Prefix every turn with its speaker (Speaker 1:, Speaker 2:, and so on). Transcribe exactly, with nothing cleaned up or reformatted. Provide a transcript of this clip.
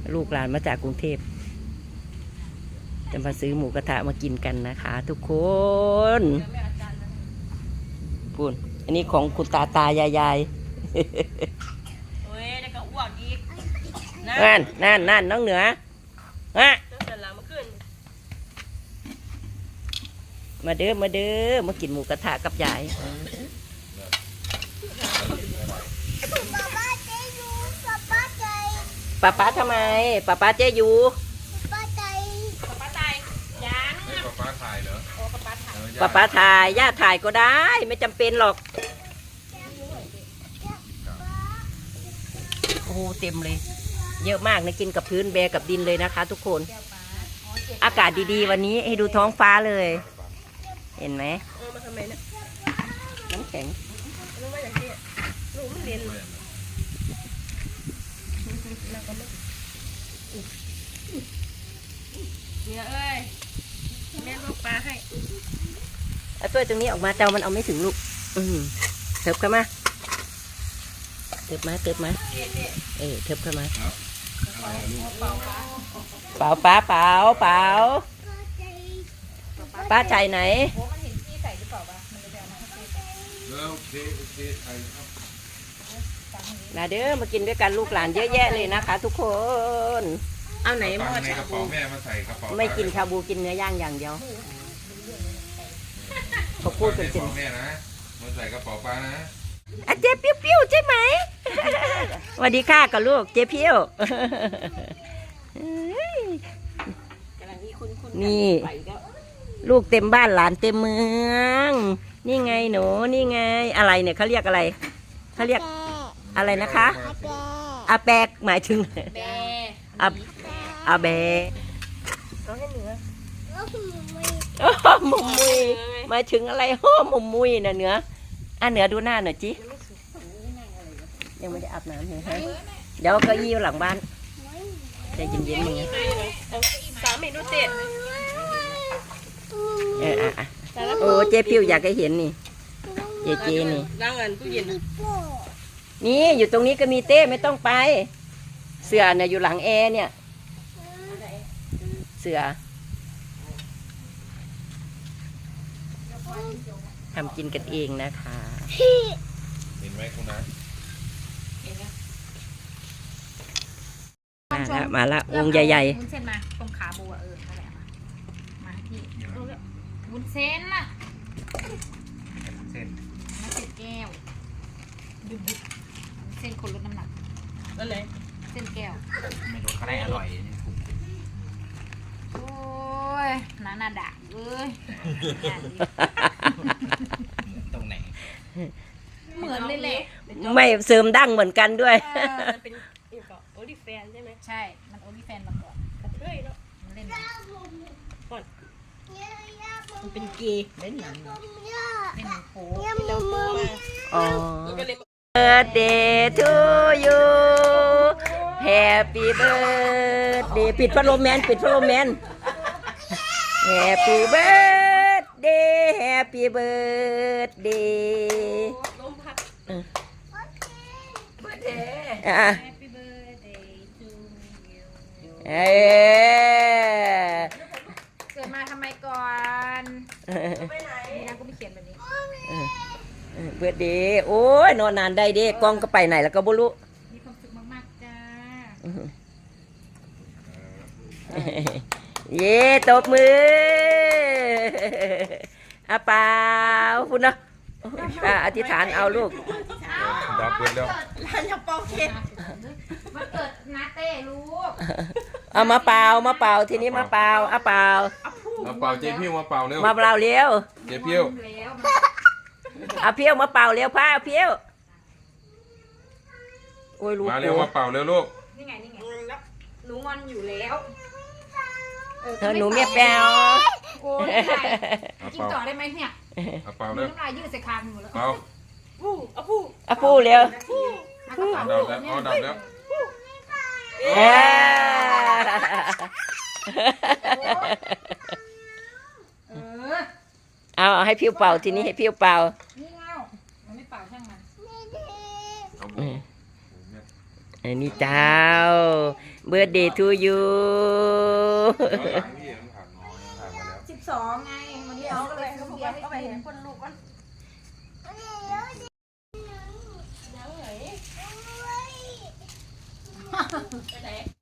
Speaker 1: ลูกหลานมาจากกรุงเทพจะมาซื้อหมูกระทะมากินกันนะคะทุกคนพูดอันนี้ของคุณตาตายายยาย
Speaker 2: เฮ้ยแล้วก็อ้วกอีก
Speaker 1: นั่นนั่นนั่นน้องเหนือฮะมาเด้อมาเด้อมากินหมูกระทะกับยายป้าป้าทำไมป้าป้าเจ๊อยู่
Speaker 2: ป้าใจป้าใจยัง
Speaker 3: ป้าป้าถ่ายเหรอ
Speaker 2: โอ้ป้าป้าถ่าย
Speaker 1: ป้าป้าถ่ายย่าถ่ายก็ได้ไม่จำเป็นหรอกโอ้เต็มเลยเยอะมากนะกินกับพื้นแบกับดินเลยนะคะทุกคนอากาศดีๆวันนี้ให้ดูท้องฟ้าเลยเห็นไหม
Speaker 2: มาทำไมนะ
Speaker 1: น้ำแข็ง
Speaker 2: รู้ว่าอย่างนี้รู้มันเรียนเนี่ยเอ้ยแม่ลูกปลาให้
Speaker 1: เอาตัวตรงนี้ออกมาเจ้ามันเอาไม่ถึงลูกอืมเถิบเข้ามาเถิบมาเถิบมาเออเถิบเข้ามาเปล่าป้าเปล่าเปล่าป้าใจไหนมาเด้อมากินด้วยกันลูกหลานเยอะแยะเลยนะคะทุกคนเอาไหนหม้อชาบูไม่กินชาบูกินเนื้อย่างอย่างเดียวเขาพูดกันจริง
Speaker 3: แม่นะมาใส่กระเป๋าป้านะ
Speaker 1: อ่ะเจ๊ปิ้วๆใช่ไหมสวัสดีค่ะกับลูกเจ๊ปิ้วนี่ลูกเต็มบ้านหลานเต็มเมืองนี่ไงหนูนี่ไงอะไรเนี่ยเขาเรียกอะไรเขาเรียกอะไรนะคะอาแปกหมายถึงอาอาแบมุมมุยหมายถึงอะไรโอ้มุมมุยน่ะเนื้ออ่ะเหนือดูหน้าหน่อยจิยังไม่ได้อาบน้ำเลยฮะเดี๋ยวก็ยี่หลังบ้านใจเย็นๆมึง
Speaker 2: สามเมนูเจ็ด
Speaker 1: เอออ่ะโอ้เจ๊พิวอยากให้เห็นนี่เจ๊เจนี่
Speaker 2: ล้างเงินตู้เย็น
Speaker 1: นี่อยู่ตรงนี้ก็มีเต้ไม่ต้องไปเสือเนี่ยอยู่หลังแอร์เนี่ยเสือทำกินกันเองนะคะ
Speaker 3: เห็นไหมคุณนะ
Speaker 1: มาละมาละวงใหญ่
Speaker 4: ๆวุ้นเส้นมาตรงขาบัวเออนั่นแหละมาที่วุ้นเส้นน่ะ
Speaker 3: เส้น
Speaker 4: น้ำเส้นแก้วดุบเส้นคนลดน้ำหนัก
Speaker 2: นั่นเลย
Speaker 4: เส้นแก้ว
Speaker 3: ไม่รู้เขาได้อร่อย
Speaker 4: โอ้ยน้าหน้าด่าเอ้ย
Speaker 3: ตรงไหน
Speaker 4: เหมือนเลยแหละ
Speaker 1: ไม่เสริมดั้งเหมือนกันด้วย
Speaker 2: เป็นโอลิแฟนใช่ไหม
Speaker 4: ใช่มันโอลิแฟนมาก่อน
Speaker 2: กระเทยเนาะ
Speaker 4: มันเล่น
Speaker 2: ก่อนมันเป็นเกย์เล่นหนัง
Speaker 4: เล่นหนังโป๊
Speaker 2: เจ้าตัวมา
Speaker 1: อ๋อ Birthday to you Happy birthday ปิดพัดลมแมนปิดพัดลมแมน Happy birthday Happy birthday
Speaker 2: ลมพัด
Speaker 1: เ
Speaker 2: บิร์ดเดย์
Speaker 1: อ่ะ
Speaker 4: Happy birthday to you
Speaker 1: เอ้
Speaker 4: เกิดมาทำไมก่อน
Speaker 2: ไปไหน
Speaker 4: นี่นะก็ไม่เขียนแบบนี้
Speaker 1: เบิร์ดเดย์โอ้ยนอนนานได้เด้กล้องก็ไปไหนแล้วก็บ่รู้
Speaker 4: มีความสุขมากๆจ้า
Speaker 1: เย่ตบมืออาเปล่าคุณเนาะอธิษฐานเอาลูก
Speaker 3: ดับเบิลแล้ว
Speaker 2: ร้านจะเป่าเค้ก
Speaker 4: มาเกิดนาเต้ลูก
Speaker 1: เอามาเปล่ามาเปล่าทีนี้มาเปล่าอาเปล่า
Speaker 3: มาเป่าเจ๊พิ้วมาเป่าเร็ว
Speaker 1: มาเปล่าเร็ว
Speaker 3: เจ๊พิ้ว
Speaker 1: เอาเพี้ยวมาเป่าเร็วพ้าเอาเพี้ยวโอ้ยลูก
Speaker 3: มาเร็วมาเป่าเร็วลูก
Speaker 4: นี่ไงนี่ไงหนูงอนอยู่แล้ว
Speaker 1: เธอหนูเมียแปว
Speaker 4: โอ้ยกินต่อได้ไหมเนี่ย
Speaker 3: เอาเป่าเร็ว
Speaker 4: น้ำลายยืดใส่คางหนูแล้ว
Speaker 3: เป่า
Speaker 2: ผู้เอาผู้
Speaker 1: เอาผู้เร็ว
Speaker 3: ดับแล้วเอาดับแล้ว
Speaker 1: เอาให้พิ้วเป่าทีนี้ให้พิ้วเป่า
Speaker 4: นี่เงามันไม่เป่าช่างมัน
Speaker 1: อันนี้เจ้า birthday to you
Speaker 3: เอาหลังพี่มันผ่านน้อยผ่านมาแล้ว
Speaker 4: สิบสองไงมันเลี้ยวก็เลยซื้อเบียร์ให้ไปเห็นคนลูกมันไปไหน